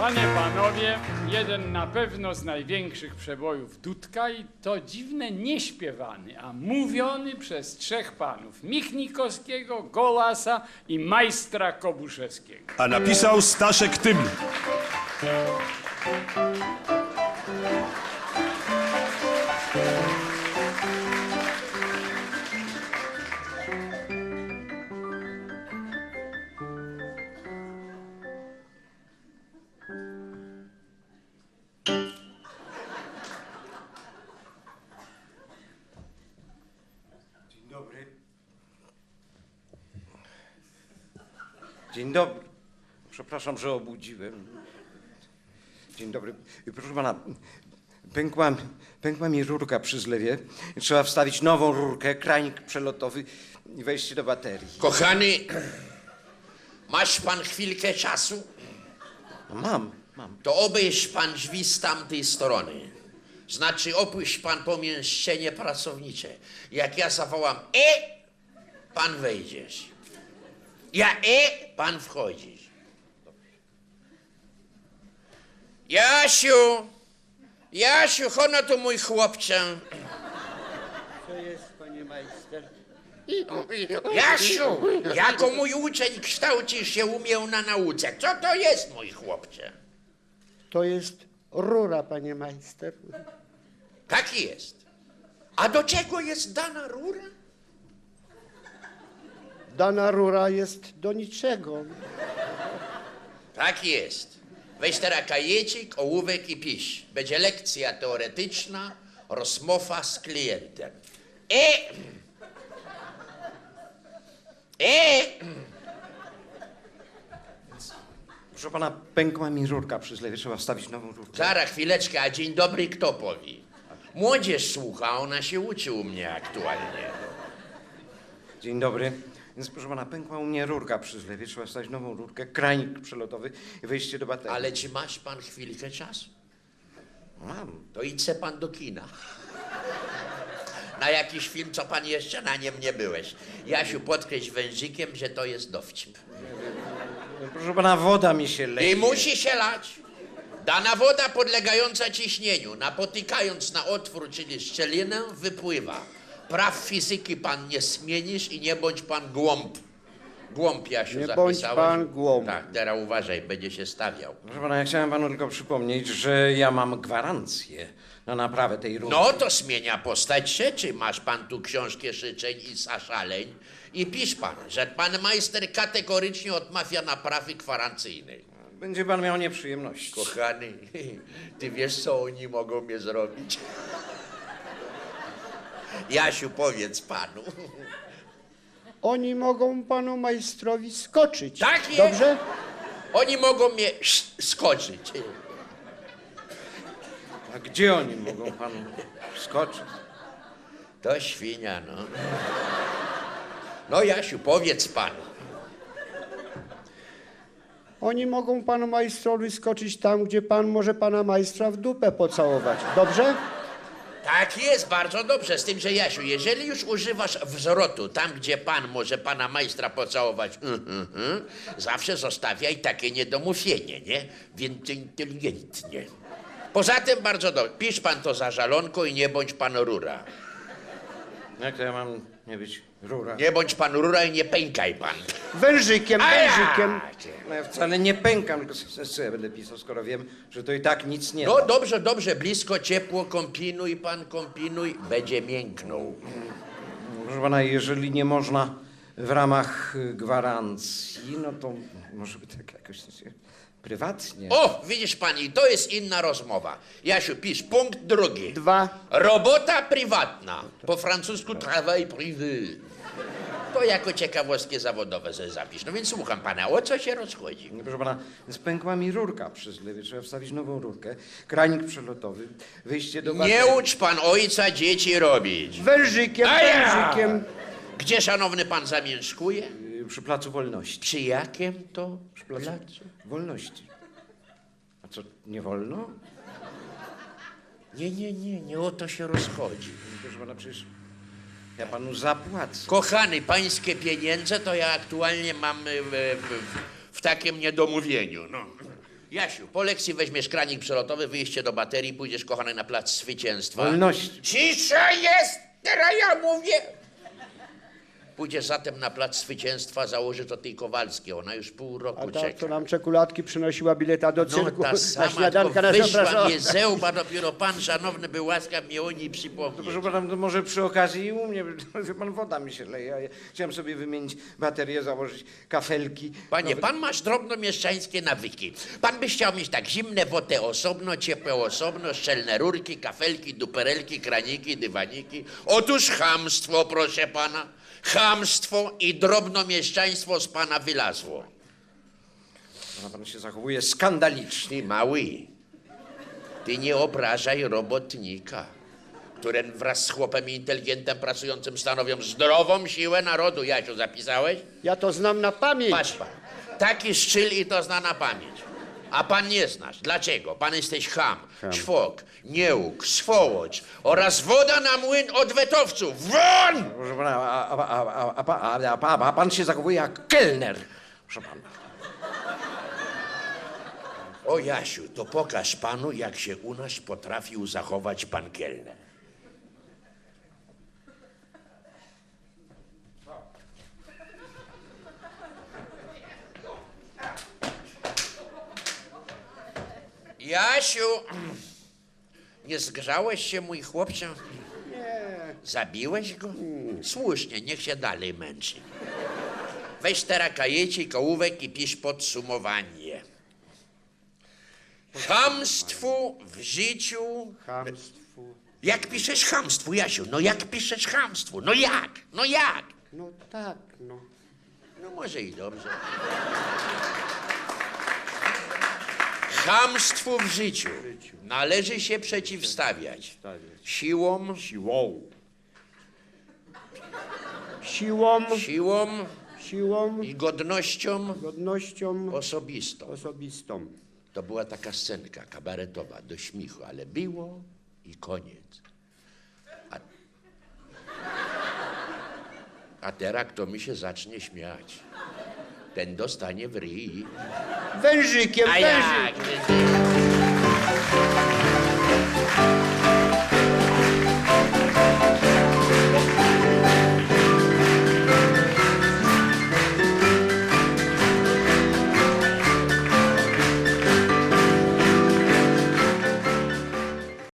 Panie, panowie, jeden na pewno z największych przebojów Dudka i to dziwne nieśpiewany, a mówiony przez trzech panów. Michnikowskiego, Golasa i majstra Kobuszewskiego. A napisał Staszek Tym. Dzień dobry. Dzień dobry. Przepraszam, że obudziłem. Dzień dobry. Proszę pana, pękła mi rurka przy zlewie. Trzeba wstawić nową rurkę, kranik przelotowy i wejście do baterii. Kochany, masz pan chwilkę czasu? No mam. To obejrz pan drzwi z tamtej strony. Znaczy opuść pan pomieszczenie pracownicze. Jak ja zawołam pan wejdziesz. Ja pan wchodzisz. Jasiu, hono tu mój chłopcze. Co jest, panie majster? Jasiu, jako mój uczeń kształcisz się umiał na nauce. Co to jest, mój chłopcze? To jest rura, panie majster. Tak jest. A do czego jest dana rura? Dana rura jest do niczego. Tak jest. Weź teraz kajecik, ołówek i pisz. Będzie lekcja teoretyczna, rozmowa z klientem. Proszę pana, pękła mi rurka przy zlewie. Trzeba wstawić nową rurkę. Zaraz, chwileczkę, a dzień dobry kto powie? Młodzież słucha, ona się uczy u mnie aktualnie. Dzień dobry. Więc proszę pana, pękła u mnie rurka przy zlewie. Trzeba wstawić nową rurkę, kranik przelotowy i wejście do baterii. Ale czy masz pan chwilkę czasu? Mam. To idź pan do kina. Na jakiś film, co pan jeszcze na nim nie byłeś. Jasiu, podkreśl wężykiem, że to jest dowcip. Proszę pana, woda mi się leje. I musi się lać. Dana woda podlegająca ciśnieniu, napotykając na otwór, czyli szczelinę, wypływa. Praw fizyki pan nie zmienisz i nie bądź pan głąb. Głąb, Jasiu, Nie zapisałeś? bądź pan głąb. Tak, teraz uważaj, będzie się stawiał. Proszę pana, ja chciałem panu tylko przypomnieć, że ja mam gwarancję na naprawę tej rurki. No to zmienia postać rzeczy. Masz pan tu książkę życzeń i zaszaleń i pisz pan, że pan majster kategorycznie odmawia naprawy gwarancyjnej. Będzie pan miał nieprzyjemności. Kochany, ty wiesz, co oni mogą mnie zrobić? Jasiu, powiedz panu. Oni mogą panu majstrowi skoczyć. Tak jest. Dobrze? Oni mogą mnie skoczyć. A gdzie oni mogą panu skoczyć? To świnia, no. No, Jasiu, powiedz panu. Oni mogą panu majstrowi skoczyć tam, gdzie pan może pana majstra w dupę pocałować. Dobrze? Tak jest, bardzo dobrze. Z tym, że Jasiu, jeżeli już używasz wzrotu tam, gdzie pan może pana majstra pocałować, zawsze zostawiaj takie niedomówienie, nie? Więc inteligentnie. Poza tym bardzo dobrze. Pisz pan to za żalonką i nie bądź pan rura. Jak to ja mam nie być rura? Nie bądź pan rura i nie pękaj pan. Wężykiem, wężykiem. No ja wcale nie pękam, tylko co ja będę pisał, skoro wiem, że to i tak nic nie No da. dobrze, dobrze, blisko, ciepło, kombinuj pan, kombinuj, będzie mięknął. Proszę pana, jeżeli nie można w ramach gwarancji, no to może by tak jakoś prywatnie. O, widzisz pani, to jest inna rozmowa. Jasiu, pisz, punkt drugi. 2. Robota prywatna. Po francusku travail privé. To jako ciekawostkę zawodowe sobie zapisz. No więc słucham pana, o co się rozchodzi? Proszę pana, więc pękła mi rurka przy zlewie, trzeba wstawić nową rurkę, kranik przelotowy, wyjście do baterii. Nie ucz pan ojca dzieci robić. Wężykiem, wężykiem. Gdzie szanowny pan zamieszkuje? Przy Placu Wolności. Przy jakim to placu? Wolności. A co, nie wolno? Nie o to się rozchodzi. Proszę pana, przecież ja panu zapłacę. Kochany, pańskie pieniądze to ja aktualnie mam w takim niedomówieniu. No. Jasiu, po lekcji weźmiesz kranik przelotowy, wyjście do baterii, pójdziesz, kochany, na plac Zwycięstwa. Wolności. Cisza jest! Teraz ja mówię! Pójdziesz zatem na plac Zwycięstwa, założy to tej Kowalskiej. Ona już pół roku A ta, czeka. co nam czekoladki przynosiła bileta do No cyrku, ta na sama, śniadanka tylko nas wyszła zapraszała. mnie zełba, dopiero pan szanowny był łaskaw mnie o niej przypomnieć. Proszę pana, to może przy okazji i u mnie, wie pan, woda mi się leje. Ja chciałem sobie wymienić baterię, założyć kafelki. Panie, pan masz drobnomieszczańskie nawyki. Pan by chciał mieć tak zimne wodę osobno, ciepłe osobno, szczelne rurki, kafelki, duperelki, kraniki, dywaniki. Otóż chamstwo, proszę pana. Chamstwo i drobnomieszczaństwo z pana wylazło. Pan się zachowuje skandalicznie. Ty mały, ty nie obrażaj robotnika, który wraz z chłopem i inteligentem pracującym stanowią zdrową siłę narodu. Jasiu, zapisałeś? Ja to znam na pamięć. Patrz pan, taki szczyl i to zna na pamięć. A pan nie znasz. Dlaczego? Pan jesteś cham, czwok, nieuk, swołocz oraz woda na młyn odwetowców. Won! Proszę pana, a pan się zachowuje jak kelner. Proszę pana. O Jasiu, to pokaż panu, jak się u nas potrafił zachować pan kelner. Jasiu, nie zgrzałeś się, mój chłopcze? Nie. Zabiłeś go? Słusznie, niech się dalej męczy. Weź teraz kajecik, ołówek i pisz podsumowanie. Chamstwu w życiu... Chamstwu. Jak piszesz chamstwu, Jasiu? No jak piszesz chamstwu? No jak? No jak? No tak, no. No może i dobrze. Chamstwu w życiu należy się przeciwstawiać siłą, Siłą i godnością godnością osobistą. osobistą. To była taka scenka kabaretowa, do śmiechu, ale było i koniec. A teraz kto mi się zacznie śmiać, ten dostanie w ryj. Wężykiem, A wężyk. jak?